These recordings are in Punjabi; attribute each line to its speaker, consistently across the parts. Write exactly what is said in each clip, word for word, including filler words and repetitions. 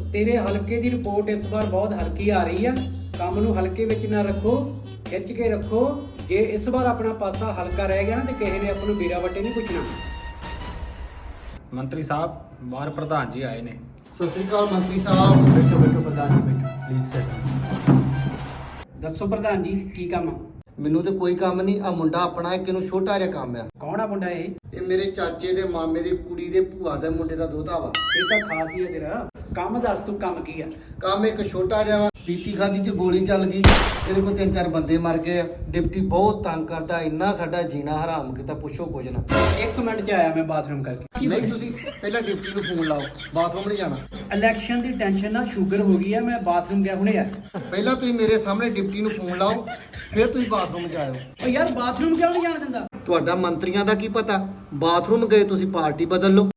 Speaker 1: तेरे हल्के की रिपोर्ट इस बार बहुत हल्की आ रही है। काम नूं हल्के विच ना रखो, खिच के रखो। जे इस बार अपना पासा हल्का रह गया ना तो किसी ने अपन बीरा वटे नहीं पुछना।
Speaker 2: ਮੰਤਰੀ ਸਾਹਿਬ ਬਾਹਰ ਪ੍ਰਧਾਨ ਜੀ ਆਏ ਨੇ।
Speaker 3: ਸਤਿ ਸ੍ਰੀ ਅਕਾਲ ਮੰਤਰੀ ਸਾਹਿਬ।
Speaker 1: बैठो बैठो प्रधान जी बैठो प्लीज सर। दसो प्रधान जी की काम आ?
Speaker 3: ਮੈਨੂੰ ਤੇ ਕੋਈ ਕੰਮ ਨਹੀਂ। ਆ ਮੁੰਡਾ ਆਪਣਾ ਇੱਕ ਇਹਨੂੰ ਛੋਟਾ ਜਿਹਾ ਕੰਮ ਆ।
Speaker 1: कौन आ मुंडा ये?
Speaker 3: ਇਹ ਮੇਰੇ ਚਾਚੇ ਦੇ ਮਾਮੇ ਦੀ ਕੁੜੀ ਦੇ ਭੂਆ ਦੇ ਮੁੰਡੇ ਦਾ ਦੋਤਾ ਵਾ।
Speaker 1: ये तो खास ही है तेरा काम। दस तू काम की है?
Speaker 3: ਕੰਮ ਇੱਕ ਛੋਟਾ ਜਿਹਾ ਵਾ। ਪੀਤੀ ਖਾਦੀ ਚ ਗੋਲੀ ਚੱਲ ਗਈ, ਇਹਦੇ ਕੋਲ ਤਿੰਨ ਚਾਰ ਬੰਦੇ ਮਰ ਗਏ ਆ। ਡਿਪਟੀ ਬਹੁਤ ਤੰਗ ਕਰਦਾ, ਇੰਨਾ ਸਾਡਾ ਜੀਣਾ ਹਰਾਮ ਕੀਤਾ ਪੁੱਛੋ ਕੁਝ ਨਾ।
Speaker 1: एक मिनट च आया मैं बाथरूम करके।
Speaker 3: ਨਹੀਂ ਤੁਸੀਂ ਪਹਿਲਾਂ ਡਿਪਟੀ ਨੂੰ ਫੋਨ ਲਾਓ, ਬਾਥਰੂਮ ਨਹੀਂ ਜਾਣਾ।
Speaker 1: इलेक्शन की टेंशन ना शुगर हो गई है, मैं बाथरूम गया हुणे आया।
Speaker 3: ਪਹਿਲਾਂ ਤੁਸੀਂ ਮੇਰੇ ਸਾਹਮਣੇ ਡਿਪਟੀ ਨੂੰ ਫੋਨ ਲਾਓ, ਫਿਰ ਤੁਸੀਂ ਬਾਥਰੂਮ ਜਾਇਓ।
Speaker 1: ओ यार बाथरूम क्यों नहीं जाने दिंदा?
Speaker 3: ਤੁਹਾਡਾ ਮੰਤਰੀਆਂ ਦਾ ਕੀ ਪਤਾ, ਬਾਥਰੂਮ ਗਏ ਤੁਸੀਂ ਪਾਰਟੀ ਬਦਲ ਲਓ।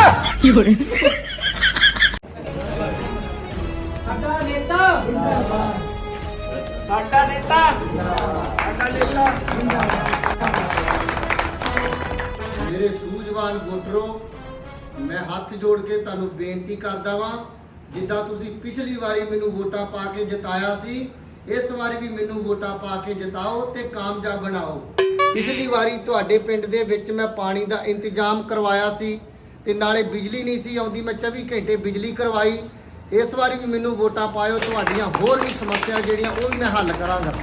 Speaker 1: ਸਾਡਾ ਨੇਤਾ ਜਿੰਦਾਬਾਦ, ਸਾਡਾ ਨੇਤਾ ਸਾਡਾ ਨੇਤਾ
Speaker 3: ਮੇਰੇ ਸੂਝਵਾਨ ਵੋਟਰੋ, ਮੈਂ ਹੱਥ ਜੋੜ ਕੇ ਤੁਹਾਨੂੰ ਬੇਨਤੀ ਕਰਦਾ ਵਾਂ, ਜਿੱਦਾਂ ਤੁਸੀਂ ਪਿਛਲੀ ਵਾਰੀ ਮੈਨੂੰ ਵੋਟਾਂ ਪਾ ਕੇ ਜਿਤਾਇਆ ਸੀ, ਇਸ ਵਾਰੀ ਵੀ ਮੈਨੂੰ ਵੋਟਾਂ ਪਾ ਕੇ ਜਿਤਾਓ ਤੇ ਕਾਮਯਾਬ ਬਣਾਓ। ਪਿਛਲੀ ਵਾਰੀ ਤੁਹਾਡੇ ਪਿੰਡ ਦੇ ਵਿੱਚ ਮੈਂ ਪਾਣੀ ਦਾ ਇੰਤਜ਼ਾਮ ਕਰਵਾਇਆ ਸੀ ਤੇ ਨਾਲੇ ਬਿਜਲੀ ਨਹੀਂ ਸੀ ਆਉਂਦੀ, ਮੈਂ ਚੌਵੀ ਘੰਟੇ ਬਿਜਲੀ ਕਰਵਾਈ। ਇਸ ਵਾਰੀ ਵੀ ਮੈਨੂੰ ਵੋਟਾਂ ਪਾਇਓ, ਤੁਹਾਡੀਆਂ ਹੋਰ ਵੀ ਸਮੱਸਿਆ ਜਿਹੜੀਆਂ ਉਹ ਵੀ ਮੈਂ ਹੱਲ ਕਰਾਂਗਾ।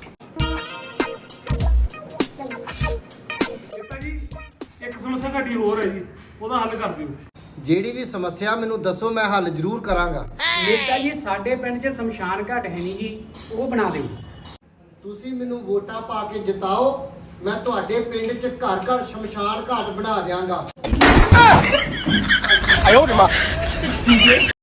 Speaker 4: ਨੇਤਾ ਜੀ ਇੱਕ ਸਮੱਸਿਆ ਸਾਡੀ ਹੋਰ ਹੈ ਜੀ, ਉਹਦਾ ਹੱਲ ਕਰ ਦਿਓ।
Speaker 3: ਜਿਹੜੀ ਵੀ ਸਮੱਸਿਆ ਮੈਨੂੰ ਦੱਸੋ, ਮੈਂ ਹੱਲ ਜ਼ਰੂਰ ਕਰਾਂਗਾ।
Speaker 1: ਨੇਤਾ ਜੀ ਸਾਡੇ ਪਿੰਡ 'ਚ ਸ਼ਮਸ਼ਾਨ ਘਾਟ ਹੈ ਨਹੀਂ ਜੀ, ਉਹ ਬਣਾ ਦਿਓ।
Speaker 3: ਤੁਸੀਂ ਮੈਨੂੰ ਵੋਟਾਂ ਪਾ ਕੇ ਜਿਤਾਓ, ਮੈਂ ਤੁਹਾਡੇ ਪਿੰਡ 'ਚ ਘਰ ਘਰ ਸ਼ਮਸ਼ਾਨ ਘਾਟ ਬਣਾ ਦਿਆਂਗਾ।